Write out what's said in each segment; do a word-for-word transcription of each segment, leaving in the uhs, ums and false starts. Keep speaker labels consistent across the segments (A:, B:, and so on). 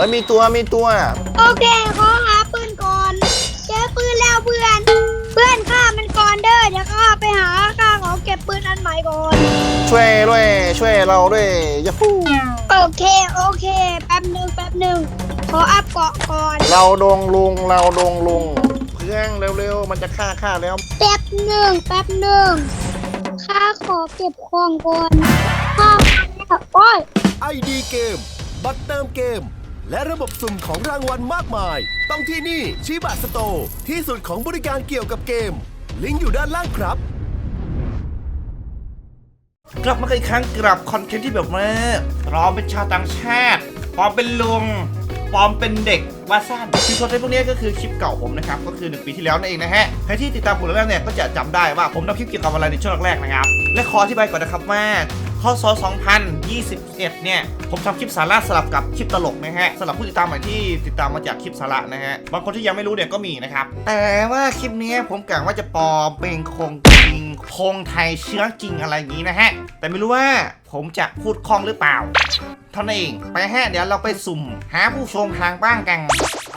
A: อ้ยมีตัวมีตัว
B: โอเคขอหาปืนก่อนเจอปืนแล้วเพื่อนเพื่อนฆ่ามันก่อนเด้อเดี๋ยวข้าไปหาข้าขอเก็บปืนอันใหม่ก่อน
A: ช่วยด้วยช่วยเราด้วยยาฮู
B: โอเคโอเคแป๊บหนึ่งแป๊บหนึ่งขออัพเกาะก่อน
A: เราดงลุงเราดงลุงเพื่อนเร็วๆมันจะฆ่าฆ่าแล้ว
B: แป๊บหนึ่งแป๊บหนึ่งข้าขอเก็บของก่อนข้าโอ้ย
C: ไอดีเกมบัตรเติมเกมและระบบสุ่มของรางวัลมากมายต้องที่นี่ชิบะสโตร์ที่สุดของบริการเกี่ยวกับเกมลิงก์อยู่ด้านล่างครับ
D: กลับมาอีกครั้งกับคอนเทนต์ที่แบบว่าเราเป็นชาวต่างชาติปลอมเป็นลุงปลอมเป็นเด็กว่าสั้นคลิปคอนเทนต์พวกนี้ก็คือคลิปเก่าผมนะครับก็คือหนึ่งปีที่แล้วนั่นเองนะฮะใครที่ติดตามผมแล้วเนี่ยก็จะจำได้ว่าผมทำคลิปเกี่ยวกับอะไรในช่วงแรกๆนะครับและขออธิบายก่อนนะครับว่าพ.ศ. สองพันยี่สิบเอ็ดเนี่ยผมทำคลิปสาระสลับกับคลิปตลกนะฮะสำหรับผู้ติดตามใหม่ที่ติดตามมาจากคลิปสาระนะฮะบางคนที่ยังไม่รู้เนี่ยก็มีนะครับแต่ว่าคลิปนี้ผมกะว่าจะปลอมเป็นคงจริงคงไทยเชื้อจริงอะไรอย่างนี้นะฮะแต่ไม่รู้ว่าผมจะพูดคล่องหรือเปล่าเท่านั้นเองไปฮะเดี๋ยวเราไปสุ่มหาผู้ชมทางบ้านกันไป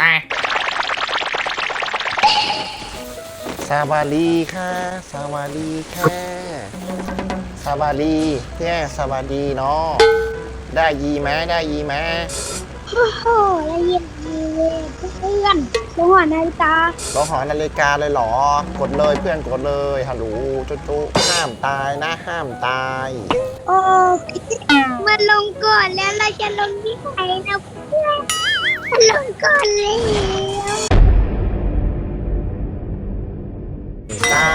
A: สวัสดีค่ะสวัสดีค่ะสวัสดีแย่สวัสดีเนาะได้ยีไหมได้ยีไหม
B: โอ้โหละเอียดดีเลยเพื่อนลงหัวนาฬิกา
A: ลงหอนาฬิกาเลยเหรอกดเลยเพื่อนกดเลยฮัลโหลจุ๊จุ๊ห้ามตายนะห้ามตาย
B: โอ้มันลงก่อนแล้วเราจะลงที่ไหนนะเพื่อนมันลงก่อนเลย
A: ได้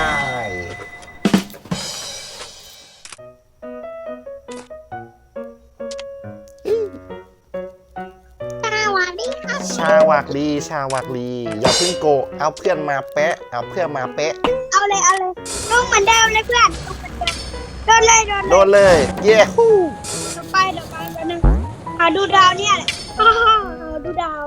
A: ชาวักดีชาวักดีอย่าเพิ่งโกเอาเพื่อนมาแปะเอาเพื่อนมาแปะ
B: เอาเลยเอาเลยลงเหมือนเดิมเลยเพื่อนโดนเลยโดน
A: โดนเลยเย้ฮู้
B: เดี๋ยวไปเดี๋ยวไปเดี๋ยวนึงหาดูดาวเนี่ยแหละดูดาว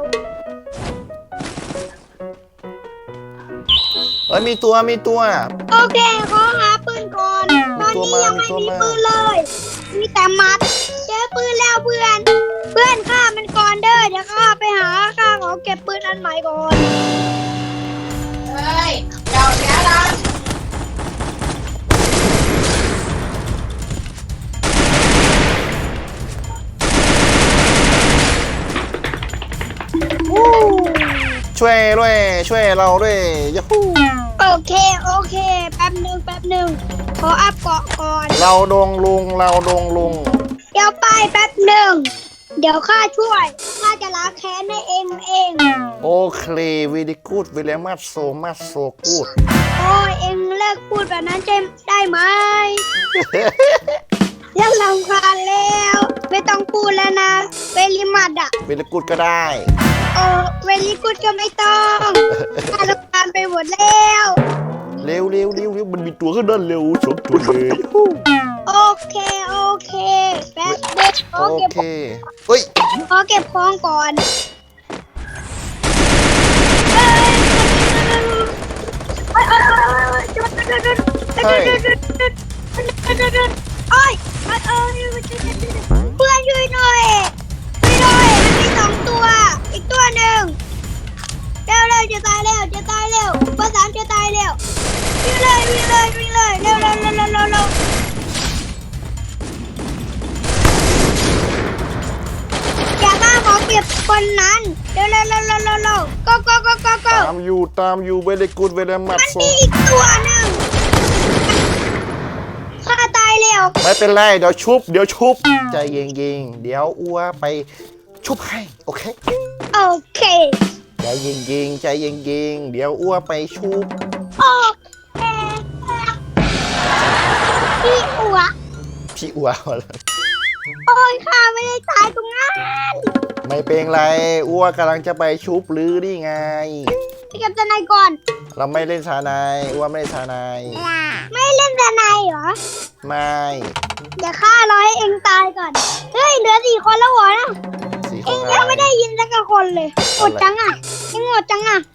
A: เอ้ยมีตัวมีตัว
B: โอเคขอหาปืนก่อนตอนนี้ยังไม่มีปืนเลยมีแต่มัดเจอปืนแล้วเพื่อนเพื่อนฆ่ามันก่อนเด้อเดี๋ยวข้าไปหาข้าขอเก็บปืนอันใหม่ก่อนเฮ้ยเดี๋ยวเดี๋ยวเรา
A: ช่วยด้วยช่วยเราด้วยยาฮู
B: โอเคโอเคแป๊บหนึ่งแป๊บหนึ่งขออัพเกาะก่อน
A: เราดงลุงเราดงลุง
B: เดี๋ยวไปแป๊บหนึ่งเดี๋ยวข้าช่วยข้าจะล้างแค้นให้เองเอง
A: โอเควีดีกูดวิลเลมัสโซมัสโซกูด
B: โอ้ยเองเลิกพูดแบบนั้นได้ไหมยังรำคาญแล้วไม่ต้องพูดแล้วนะเวลิมัดอะ
A: เวลิกูดก็ได้
B: โอ้เวลิกูดก็ไม่ต้องข้ารำคาญไปหมดแล้ว
A: เร็วเร็วเร็วเร็วมันมีตัวขึ้นด้านเร็วสองตัวเลย
B: โอเคโอเคแป๊บเด็กขอเก็บ
A: เฮ้ย
B: ขอเก็บของก่อนเฮ้ยเฮ้ยเพื่อนช่วยหน่อยช่วยหน่อยมันมีสองตัวอีกตัวหนึ่งเร็วเร็วจะตายแล้วจะตายแล้วเบอร์สามจะตายแล้ววิ่งเลยวิ่งเลยวิ่งเลยเร็วเร็วเร็วเร็วเร็วเร็วอย่าบ้าขอเปรียบคนนั้นเร็วเร็วเร็วเร็วเร็วเร็วก็ก็ก็ก็ก็
A: ตามอยู่ตามอยู่เวลกูดเวลมัด
B: มันมีอีกตัวหนึ่งข้าตายแล้ว
A: ไม่เป็นไรเดี๋ยวชุบเดี๋ยวชุบใจเย็นๆเดี๋ยวอ้วไปชุบให้โอเค
B: โอเค
A: ใจเย็นๆใจเย็นๆเดี๋ยวอ้วไปชุบ
B: โอเคพี่อัว
A: พี่อัว
B: โอ้ยข้าไม่ได้ตายตรงนั้น
A: ไม่เป็นไรอ้วกำลังจะไปชุบหรือนี่ไง
B: ไปกับทนายก่อน
A: เราไม่เล่นทนายอ้วไม่เล่นทนาย
B: ไม่เล่นทนายเหรอ
A: ไม่
B: เดี๋ยวข้ารอให้เองตายก่อนเฮ้ยเหลือสี่คนแล้วเหรอนะเองยังไม่ได้ยินสักคนเลยหมดจังอ่ะเองหมดจังอ่ะ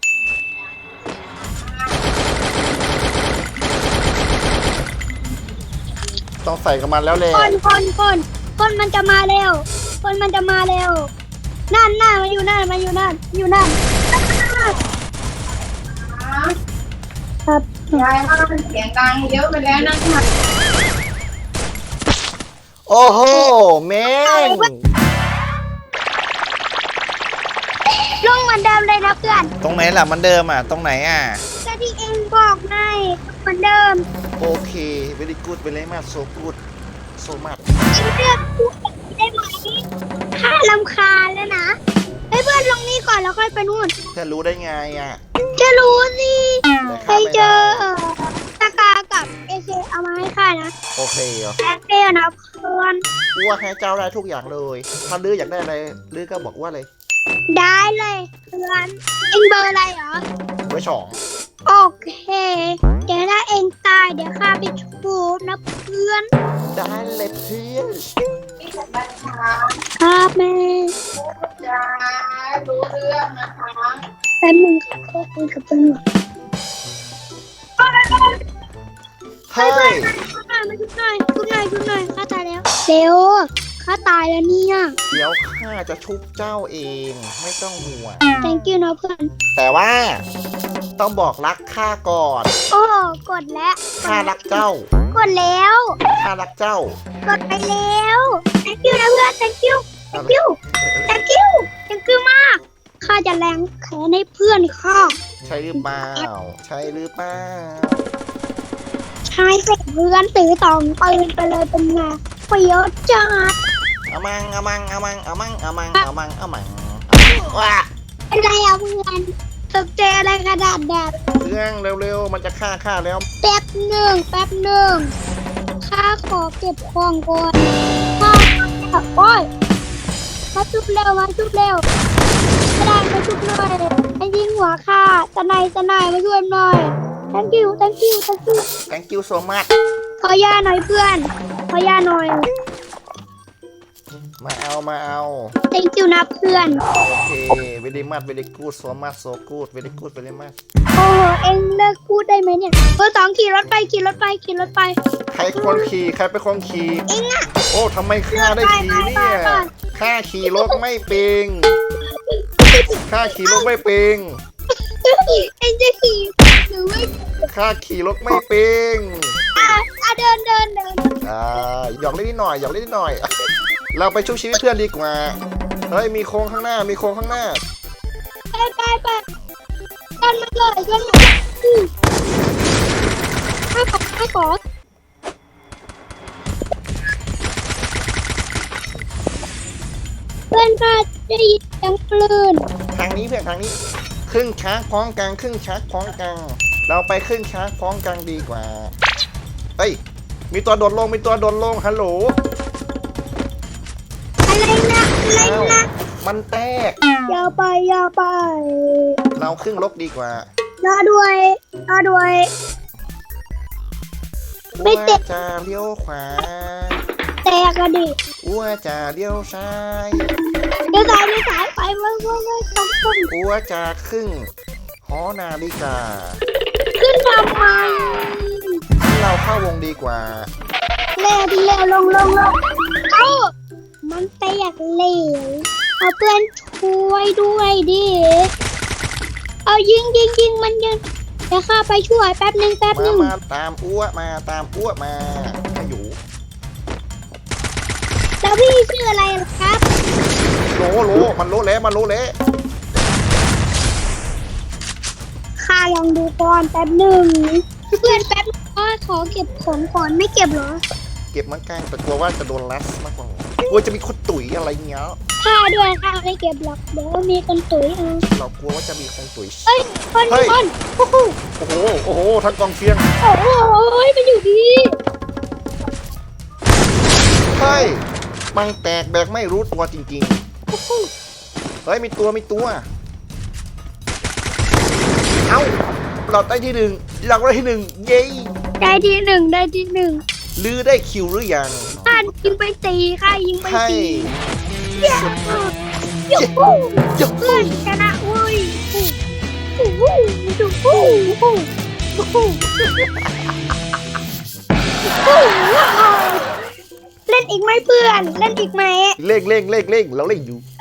A: ต้องใส่กับมันแล้วเลย
B: คนคนคนคนมันจะมาเร็วคนมันจะมาเร็วนั่นนั่นมาอยู่นั่นมาอยู่นั่นอยู่นั่นครับ
E: ยายว่ามันเสียงดังเยอะไปแล้วนะคะ
A: โอ้โหแม่ง
B: ลงเหมือนเดิมเลยนะเพื่อน
A: ตรงไหนล่ะมันเดิมอ่ะตรงไหนอ่ะ
B: ก็ที่เองบอกไงเหมือนเดิม
A: โอเค very good very much so good so much
B: เองเลือกพูดได้ไหมข้าลำคาญแล้วนะให้เพื่อนลงนี่ก่อนแล้วค่อยไปนู่น
A: จะรู้ได้ไงอ่ะ
B: จะรู้สิ
A: แต่
B: ใคร
A: ข้าไม่
B: เจ
A: ได้
B: อเออตากากับเอเคเอามาให้ข้านะ
A: โอเคเหรอ
B: แอปเปิลนะเพื่อน
A: กูว่าให้เจ้าได้ทุกอย่างเลยถ้าลืออยากได้อะไรลือก็บอกว่าเลย
B: ได้เลยเพื่อนเองเบอร์อะไรเหรอ
A: ไว้สอง
B: โอเค เดี๋ยวถ้าเองตายเดี๋ยวข้าไปชูบนะเพื่อน
A: ได้เลยเพื่อน
E: พี่สันบัญชา
B: ครับแม่
E: จ้ารู้เรื่องนะคะ
B: แป๊บนึงค่ะขอคุยกับตำรวจ
A: เฮ้ย
B: ชุดหน่อยมาชุดหน่อยชุดหน่อยชุดหน่อยข้าตายแล้วเร็วข้าตายแล้วเนี่ย
A: เดี๋ยวข้าจะชุบเจ้าเองไม่ต้องห่วง
B: thank you นะเพื่อน
A: แต่ว่าต้องบอกรักข้าก่อน
B: โอ้กดแล้ว
A: ข้ารักเจ้าก
B: ดแล้ว
A: ข้ารักเจ้าก
B: ดไปแล้ว thank you นะเพื่อน thank you thank you thank you thank you มากข้าจะแรงแขนให้เพื่อนข้า
A: ใช่หรือเปล่าใช่หรือเปล่า
B: ชายเสกเพื่อนถือตองปืนไปเลยเป็นไงเปรี้ยวจัด
A: เอามังเอามังเอามังเอามังเอามังเอามังเอามังว้า
B: เป็นไรอ่ะเพื่อนตกใจอะไรขนาดแบบ
A: เรื่องเร็วๆมันจะฆ่าข้าแล้ว
B: แป๊บหนึ่งแป๊บหนึ่งข้าขอเก็บของก่อนข้าโอ้ยมาจุบเร็วมาจุบเร็วไม่ได้มาจุบหน่อยไอ้ยิงหัวข้าตะไนตะไนมาช่วยหน่อย thank you thank you thank you
A: thank you so much
B: ขอยาหน่อยเพื่อนขอยาหน่อย
A: มาเอามาเอา
B: thank you นะเพื่อน
A: โอเค very much very good so much so good very good very much
B: โอ้โหเอ็งเลิกพูดได้ไหมเนี่ยเบอร์สองขี่รถไปขี่รถไปขี่รถไป
A: ใครคนขี่ใครเป็นคนขี่
B: เอ็งอะ
A: โอ้ทำไมข้าได้ขี่เนี่ยข้าขี่รถไม่เป็นข้าขี่รถไม่เป็น
B: เอ็งจะขี่หรือไม่
A: ข้าขี่รถไม่เป็น
B: อ่ะอ่ะเดินเดินเดิน
A: อ่าหยอกเล่นนิดหน่อยหยอกเล่นนิดหน่อย เราไปชุบชีวิตเพื่อนดีกว่าเฮ้ยมีโค้งข้างหน้ามีโค้งข้างหน้า
B: ไปไปไปเดินมาเลยเดินมาเลยอืมข้าขอข้าขอเพื่อนข้าได้ยินเสียงปลืน
A: ทางนี้เพื่อนทางนี้ครึ่งช้างพร้อมกลางครึ่งช้างพร้อมกลางเราไปครึ่งช้างพร้อมกลางดีกว่าเฮ้ยมีตัวโดดลงมีตัวโดดลงฮัลโหล
B: อะไรนะอะไร
A: อ้าว
B: นะ
A: มันแตก
B: อย่าไปอย่าไป
A: เราครึ่งลกดีกว่าร
B: อด้วยรอด้วย ไม่แตก
A: ว่าจะเลี้ยวขวา
B: แตกอะดิ
A: อ้วจะเลี้ยวซ้าย
B: เดี๋ยวสายเดี๋ยวสายไปเว้ยเว้ยเว้ยต้องต้อง
A: อ้วจะครึ่งหอนาฬิกา
B: ขึ้นทำไม
A: เราเข้าวงดีกว่า
B: เร็วดิเร็วลงลงลงเอ้ามันแตกเหลวเอาเพื่อนช่วยด้วยดิเอายิงยิงยิงมันยิงเดี๋ยวข้าไปช่วยแป๊บหนึ่งแป๊บห
A: มา
B: นึ่ง
A: มาตามอ้วมาตามอ้วมาขอยู่
B: แล้วพี่ชื่ออะไรล่ะครับ
A: โลโลมันโลเละมันโลเละ
B: ข้าลองดูก่อนแป๊บหนึ่งเพื่อนแป๊บนึงก็ขอเก็บของก่อนไม่เก็บเหรอ
A: เก็บมันกลางแต่กลัวว่าจะโดนลัสมากกว่ากลัวจะมีคนตุ๋ยอะไรเงี้ย
B: ข้าด้วยข้าไม่เก็บหรอกเดี๋ยวมีคนตุ๋ยเอา
A: เรากลัวว่าจะมีคนตุ๋ย
B: เอ้ยคน
A: เฮ้ย
B: คนโอ้โห
A: โอ้โหโอ้โหทั้งกองเชียง
B: โอ้โหมันอยู่ดี
A: เฮ้ยมังแตกแบกไม่รู้ตัวจริงๆเฮ้ยมีตัวมีตัวเอ้าเราได้ที่หนึ่งเราได้ที่หนึ่งเย้
B: ได้ที่หนึ่งได้ที่หนึ่ง
A: ลือได้คิวหรือยัง
B: ข้ายิงไปตีข้ายิงไป
A: ใช่
B: ตีเย้ยูฮู
A: ยูฮู
B: เพื่อนชนะเว้ยยูฮูยูฮูยูฮูยูฮูเล่นอีกไหมเพื่อนเล่นอีกไหม
A: เล่งเล่งเล่งเล่งเราเล่งอยู่